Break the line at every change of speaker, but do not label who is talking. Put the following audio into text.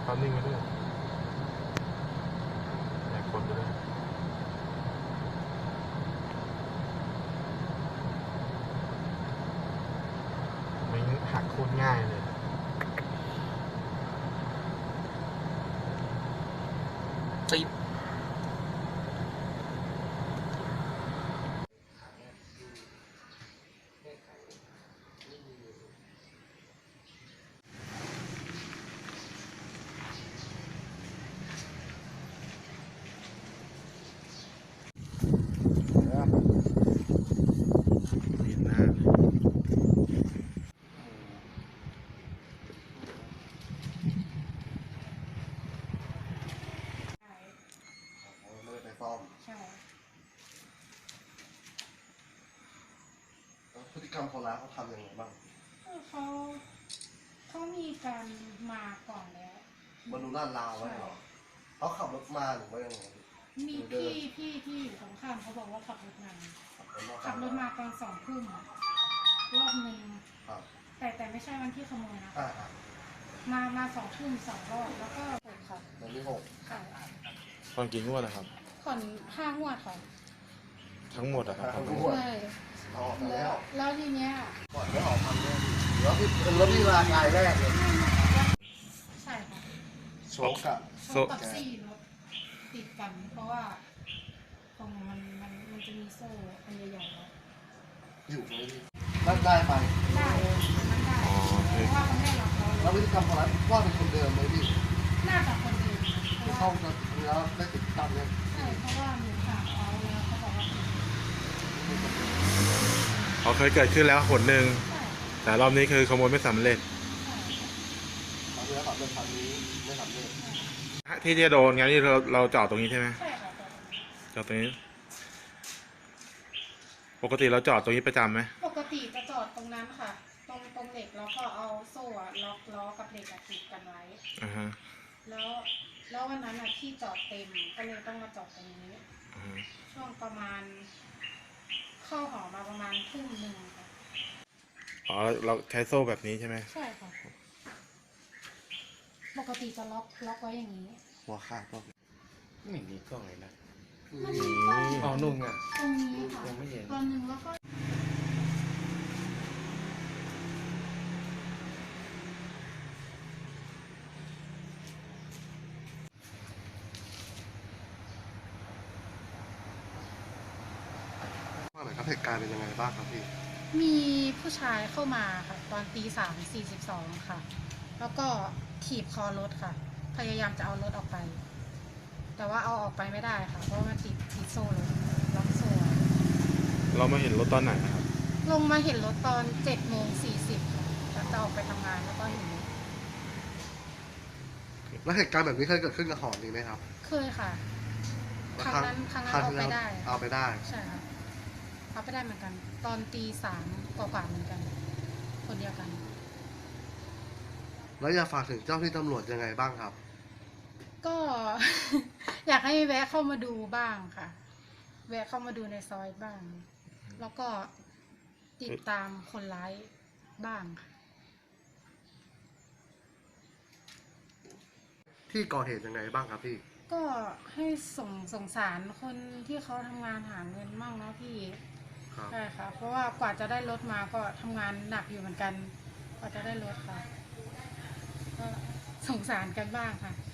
ตามนิ่งไปด้วยแอบคนไปด้วยไม่หักโคตรง่ายเลยติดเห็นหน้าเลย
ไม่ได้ไปซ่อม
ใช่
แล้วพฤติกรรมคนร้ายเขาทำยังไงบ้าง
เขามีการมาก่อนแล้ว
มาดูลาดราวไว้เหรอเขาขับรถมาหรือว่ายังไง
มีพี่ที่อยู่ตรงข้ามเขาบอกว่าขับรถมาขับรถมาตอน2 ทุ่มรอบหนึ่ง
ครับ
แต่ไม่ใช่วันที่ขโมยนะ
อ่า
มา2 ทุ่ม2 รอบแล้วก็เปิดค่ะ
วันที่6
ค่ะ
ตอนกี่งวดนะครับ
ผ่อน5 งวดค่ะ
ทั้งหมดอะครับ
ใช่
ออกมาแล้ว
แล้วทีเนี้ย
ก่อนไม่ออกทำเนี่ยหรือว่าพี่เป็นรถที่รายแรกเลย
ใช่ค่ะ
โชกอะ
โชคกับซี่รถติดกัน เพราะว่าตรงมันจะมีโซ่อันใหญ่ๆแล้ว
อยู่ไหมพี่นั่นได้ไป
ได้มันได้เพราะว่าเขาไม่ได้ล็อกล้อ
แล้วพฤติกรรมคนร้ายว่าเป็นคนเดิมไหมพี่
น่าจะคนเดิมนะเพ
ที่
ราะ
เข้า
ว่า
มาแล้วได้ติดตามเนี่ย
ใช่เพราะว่าหนูถามเขาแล้วเขาบอกว่า
เขาเคยเกิดขึ้นแล้วหนหนึ่ง
ใช่
แต่รอบนี้คือขโมยไม่สำเร็จ
ใช่
ตอนนี้ขับรถคันนี้ไม่สำเร็จ
ที่จะโดนงั้นที่เราจอดตรงนี้ใช่ไหม
ใช่ค่ะ
จอดตรงนี้ ปกติเราจอดตรงนี้ประจำไหม
ปกติจะจอดตรงนั้นค่ะ ตรงเหล็กแล้วก็เอาโซ่อะล็อกล้อกับเหล็กอะติดกันไว้
อ่าฮะ
แล้ววันนั้นอะที่จอดเต็มก็เลยต้องมาจอดตรงนี้
อ่าฮะ
ช่วงประมาณ เข้าหอมาประมาณ1 ทุ่มค่ะ
อ๋อเราใช้โซ่แบบนี้ใช่ไหม
ใช่ค่ะ ปกติจะล็อกไว้อย่างนี้
หัวขาดก็
ไม่มีกล้องเลยนะ
มันมีกล้อง
อ๋อนุ่งอ่ะ
ตรงนี้ค่ะ
ยังไม่เห็น
ตอนหนึ่งแล้วก็
ว่าไหนครับเหตุการณ์เป็นยังไงบ้างครับพี่
มีผู้ชายเข้ามาค่ะ ตอน3:42ค่ะ แล้วก็ถีบคอรถค่ะ พยายามจะเอารถออกไป แต่ว่าเอาออกไปไม่ได้ค่ะ เพราะว่ามันติดโซ่รถล็อกโซ่ไว้
เรามาเห็นรถตอนไหนนะครับ
ลงมาเห็นรถตอน7:40ค่ะจะออกไปทำงานแล้วก็เห็นรถ
แล้วเหตุการณ์แบบนี้เคยเกิดขึ้นกับหอนี้ไหมครับ
เคยค่ะ ครั้งนั้นเอาไปได้
เอาไปได้
ใช่ค่ะเอาไปได้เหมือนกัน ตอน3 กว่าๆเหมือนกัน คนเดียวกัน
แล้วอยากฝากถึงเจ้าที่ตำรวจยังไงบ้างครับ
ก็ อยากให้แวะเข้ามาดูบ้างค่ะ แวะเข้ามาดูในซอยบ้าง แล้วก็ติดตามคนร้ายบ้างค่ะ
ที่ก่อเหตุยังไงบ้างครับพี่
ก็ให้สงสารคนที่เขาทำงานหาเงินมั่งนะพี่
ครับ
ใช่ค่ะ เพราะว่ากว่าจะได้รถมาก็ทำงานหนักอยู่เหมือนกัน กว่าจะได้รถค่ะ ก็สงสารกันบ้างค่ะ